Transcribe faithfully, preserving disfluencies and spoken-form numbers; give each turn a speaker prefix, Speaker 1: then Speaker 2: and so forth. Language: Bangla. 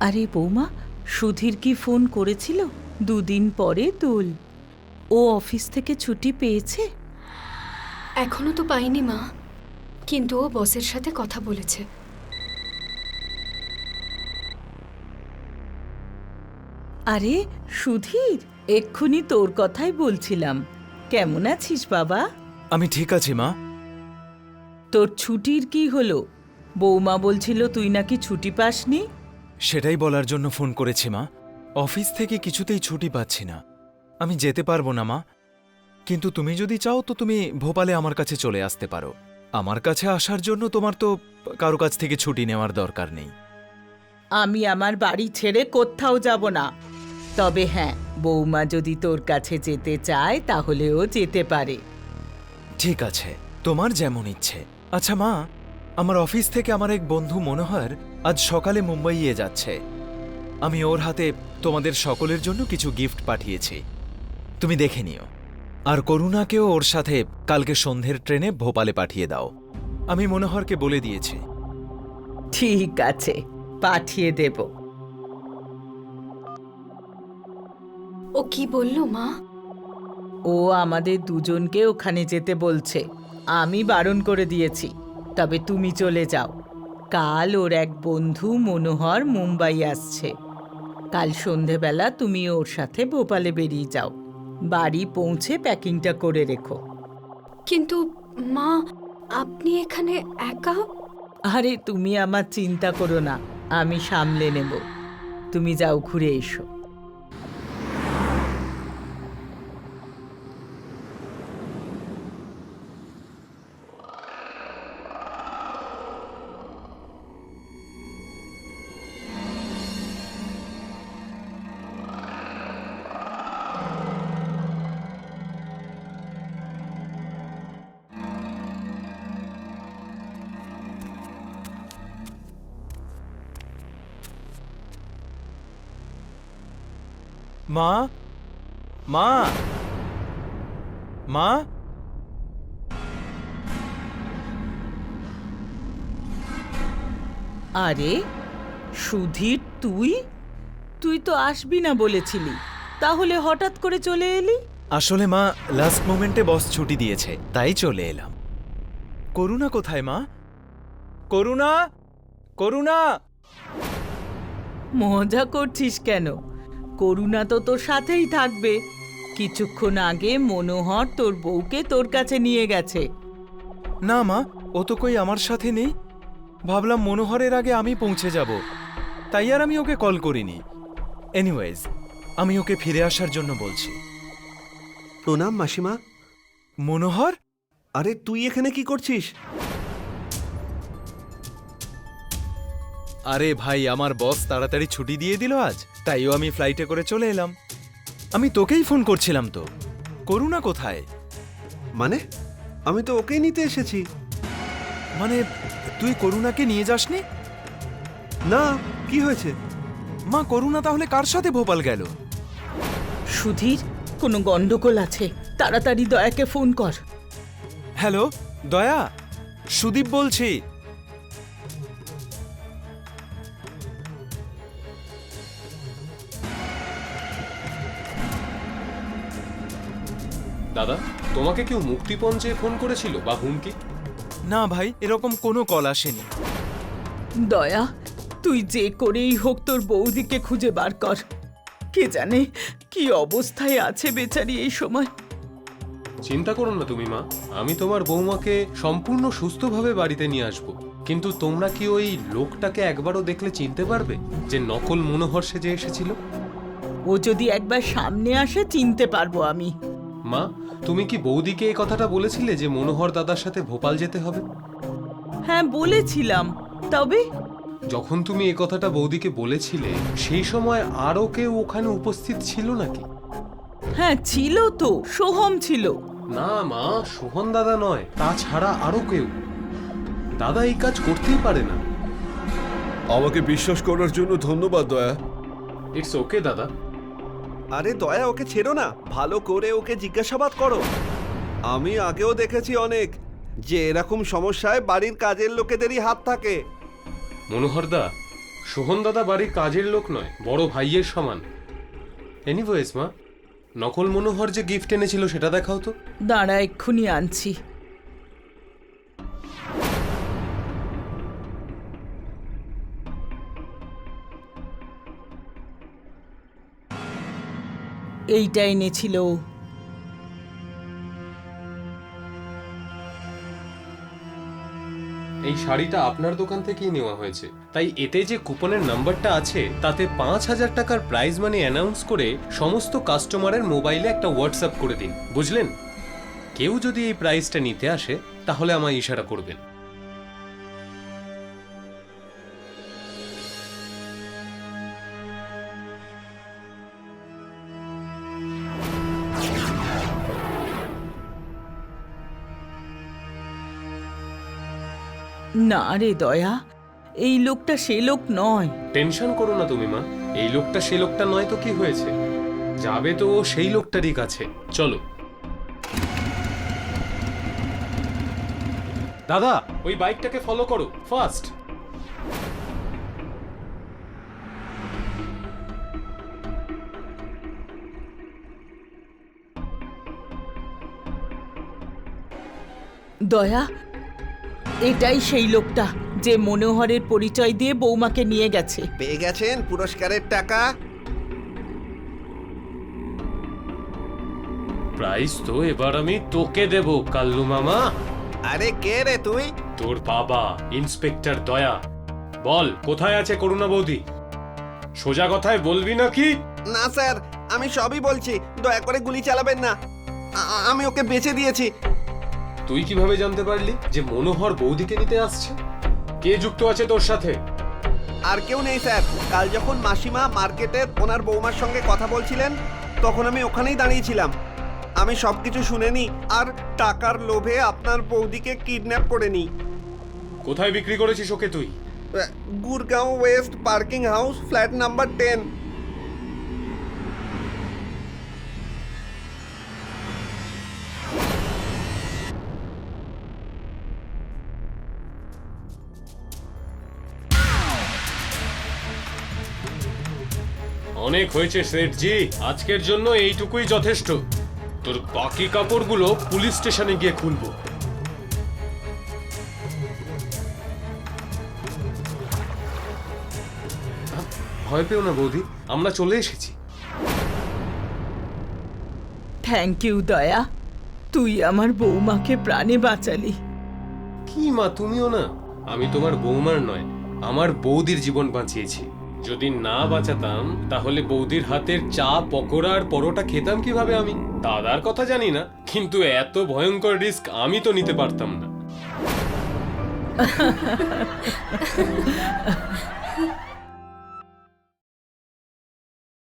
Speaker 1: আরে বৌমা, সুধীর কি ফোন করেছিল? দুদিন পরে দোল। ও অফিস থেকে ছুটি পেয়েছে?
Speaker 2: এখনো তো পাইনি মা, কিন্তু ও বসের সাথে কথা বলেছে।
Speaker 1: আরে সুধীর, এক্ষুনি তোর কথাই বলছিলাম। কেমন আছিস বাবা?
Speaker 3: আমি ঠিক আছি মা।
Speaker 1: তোর ছুটির কি হলো? বৌমা বলছিল তুই নাকি ছুটি পাসনি।
Speaker 3: সেটাই বলার জন্য ফোন করেছি মা। অফিস থেকে কিছুতেই ছুটি পাচ্ছি না। আমি যেতে পারবো না মা, কিন্তু তুমি যদি চাও তো তুমি ভোপালে আমার কাছে চলে আসতে পারো। আমার কাছে আসার জন্য তোমার তো কারো কাছ থেকে ছুটি নেওয়ার দরকার নেই।
Speaker 1: আমি আমার বাড়ি ছেড়ে কোথাও যাব না। তবে হ্যাঁ, বৌমা যদি তোর কাছে যেতে চায় তাহলে ও যেতে পারে।
Speaker 3: ঠিক আছে, তোমার যেমন ইচ্ছে। আচ্ছা মা, আমার অফিস থেকে আমার এক বন্ধু মনোহর আজ সকালে মুম্বাইয়ে যাচ্ছে। আমি ওর হাতে তোমাদের সকলের জন্য কিছু গিফট পাঠিয়েছি, তুমি দেখে নিও। আর করুণাকেও ওর সাথে কালকে সন্ধ্যের ট্রেনে ভোপালে পাঠিয়ে দাও। আমি মনোহরকে বলে দিয়েছি।
Speaker 1: ঠিক আছে, পাঠিয়ে দেব।
Speaker 2: ও কি বললো মা?
Speaker 1: ও আমাদের দুজনকে ওখানে যেতে বলছে। আমি বারণ করে দিয়েছি, তবে তুমি চলে যাও। কাল ওর এক বন্ধু মনোহর মুম্বাই আসছে। কাল সন্ধেবেলা তুমি ওর সাথে ভোপালে বেরিয়ে যাও। বাড়ি পৌঁছে প্যাকিংটা করে রেখো।
Speaker 2: কিন্তু মা, আপনি এখানে একা?
Speaker 1: আরে তুমি আমার চিন্তা করো না, আমি সামলে নেব। তুমি যাও, ঘুরে এসো।
Speaker 3: মা, মা, মা,
Speaker 1: আরে সুধীর, তুই তুই তো আসবি না বলেছিলি, তাহলে হঠাৎ করে চলে এলি?
Speaker 3: আসলে মা, লাস্ট মোমেন্টে বস ছুটি দিয়েছে, তাই চলে এলাম। করুণা কোথায় মা? করুণা, করুণা!
Speaker 1: মজা করছিস কেন? করুণা তো তোর সাথেই থাকবে। কিছুক্ষণ আগে মনোহর তোর বউকে তোর কাছে নিয়ে গেছে।
Speaker 3: না মা, ও তো কই আমার সাথে নেই। ভাবলাম মনোহরের আগে আমি পৌঁছে যাব, তাই আর আমি ওকে কল করিনি। এনিওয়েজ, আমি ওকে ফিরে আসার জন্য বলছি।
Speaker 4: প্রণাম মাসিমা।
Speaker 3: মনোহর,
Speaker 4: আরে তুই এখানে কি করছিস?
Speaker 3: আরে ভাই, আমার বস তাড়াতাড়ি ছুটি দিয়ে দিল আজ, তাইও আমি ফ্লাইটে করে চলে এলাম। আমি তোকেই ফোন করছিলাম তো। করুণা কোথায়?
Speaker 4: মানে আমি তো ওকেই নিতে এসেছি।
Speaker 3: মানে তুই করুণাকে নিয়ে যাসনি?
Speaker 4: না, কি হয়েছে?
Speaker 3: মা, করুণা তাহলে কার সাথে ভোপাল গেল?
Speaker 1: সুধীর, কোনো গন্ডগোল আছে, তাড়াতাড়ি দয়াকে ফোন কর।
Speaker 3: হ্যালো দয়া, সুদীপ বলছি।
Speaker 5: দাদা, তোমাকে কেউ মুক্তিপণ চেয়ে ফোন করেছিল বা হুমকি?
Speaker 3: না ভাই, এরকম কোনো কল আসেনি।
Speaker 1: দয়া, তুই যে করেই হোক তোর বৌদিকে খুঁজে বার কর। কে জানে কি অবস্থায় আছে বেচারি এই সময়।
Speaker 5: চিন্তা করো না তুমি মা, আমি তোমার বৌমাকে সম্পূর্ণ সুস্থভাবে বাড়িতে নিয়ে আসব। কিন্তু তোমরা কি ওই লোকটাকে একবারও দেখলে চিনতে পারবে, যে নকল মনোহর সেজে এসেছিল?
Speaker 1: ও যদি একবার সামনে আসে চিনতে পারবো আমি।
Speaker 5: মা, তুমি কি বৌদিকে এই কথাটা বলেছিলে যে মনোহর দাদার সাথে ভোপাল যেতে হবে?
Speaker 1: হ্যাঁ বলেছিলাম, তবে
Speaker 5: যখন তুমি এই কথাটা বৌদিকে বলেছিলে, সেই সময় আরও কেউ ওখানে উপস্থিত ছিল নাকি?
Speaker 1: হ্যাঁ ছিল তো, সোহম ছিল।
Speaker 5: না মা, সোহন দাদা নয়, তাছাড়া আরো কেউ। দাদা এই কাজ করতেই পারে না।
Speaker 6: আমাকে বিশ্বাস করার জন্য ধন্যবাদ দয়া।
Speaker 5: ইটস ওকে দাদা।
Speaker 4: আরে দয়া, ওকে ছেড়ো না, ভালো করে ওকে জিজ্ঞাসাবাদ করো। আমি আগেও দেখেছি অনেক, যে এরকম সমস্যায় বাড়ির কাজের লোকেদেরই হাত থাকে।
Speaker 5: মনোহর দা, সোহন দাদা বাড়ির কাজের লোক নয়, বড় ভাইয়ের সমান। এনিওয়েজ মা, নকল মনোহর যে গিফট এনেছিল সেটা দেখাও তো।
Speaker 1: দাঁড়া, এক্ষুনি আনছি। এইটা এনেছিল ও।
Speaker 5: এই শাড়িটা আপনার দোকান থেকেই নেওয়া হয়েছে, তাই এতে যে কুপনের নাম্বারটা আছে তাতে পাঁচ হাজার টাকার প্রাইজ মানি অ্যানাউন্স করে সমস্ত কাস্টমারের মোবাইলে একটা হোয়াটসঅ্যাপ করে দিন, বুঝলেন? কেউ যদি এই প্রাইজটা নিতে আসে তাহলে আমায় ইশারা করবেন।
Speaker 1: না রে দয়া, এই লোকটা সে লোক নয়।
Speaker 5: টেনশন করো না তুমি মা, এই লোকটা সে লোকটা নয় তো কি হয়েছে, যাবে তো ও সেই লোকটারই কাছে। চলো দাদা, ওই বাইকটাকে ফলো করো, ফাস্ট।
Speaker 1: দয়া, এটাই সেই লোকটা যে মনোহরের পরিচয় দিয়ে বৌমাকে নিয়ে গেছে।
Speaker 4: পেয়ে গেছেন পুরস্কারের টাকা।
Speaker 5: প্রাইজ তো এবার আমি তোকে দেব কাল্লু মামা।
Speaker 4: আরে কে রে তুই?
Speaker 5: তোর বাবা ইন্সপেক্টর দয়া। বল, কোথায় আছে করুণা বৌদি? সোজা কথায় বলবি নাকি?
Speaker 4: না স্যার, আমি সবই বলছি, দয়া করে গুলি চালাবেন না। আ- আমি ওকে বেঁচে দিয়েছি।
Speaker 5: তুই কিভাবে জানতে পারলি যে মনোহর বৌদিকে নিতে আসছে? কে যুক্ত আছে তোর সাথে?
Speaker 4: আর কেউ নেই স্যার। কাল যখন মাসিমা মার্কেটের ওনার বৌমার সঙ্গে কথা বলছিলেন তখন আমি ওখানেই দাঁড়িয়েছিলাম। আমি সবকিছু শুনে নি আর টাকার লোভে আপনার বৌদিকে কিডন্যাপ করে নি।
Speaker 5: কোথায় বিক্রি করেছিস ওকে তুই?
Speaker 4: Gurgaon west parking house, flat number ten.
Speaker 5: অনেক হয়েছে শেঠজি, আজকের জন্য এইটুকুই যথেষ্ট। তোর বাকি কাপড়গুলো পুলিশ স্টেশনে গিয়ে খুলবো। ভয় পেও না বৌদি, আমরা চলে এসেছি।
Speaker 1: থ্যাংক ইউ দয়া, তুই আমার বৌমাকে প্রাণে বাঁচালি।
Speaker 5: কি মা, তুমিও না? আমি তোমার বৌমার নয়, আমার বৌদির জীবন বাঁচিয়েছি। যদি না বাঁচাতাম তাহলে বৌদির হাতের চা, পকোড়া আর পরোটা খেতাম কিভাবে আমি? দাদার কথা জানি না, কিন্তু এত ভয়ঙ্কর রিস্ক আমি তো নিতে পারতাম না।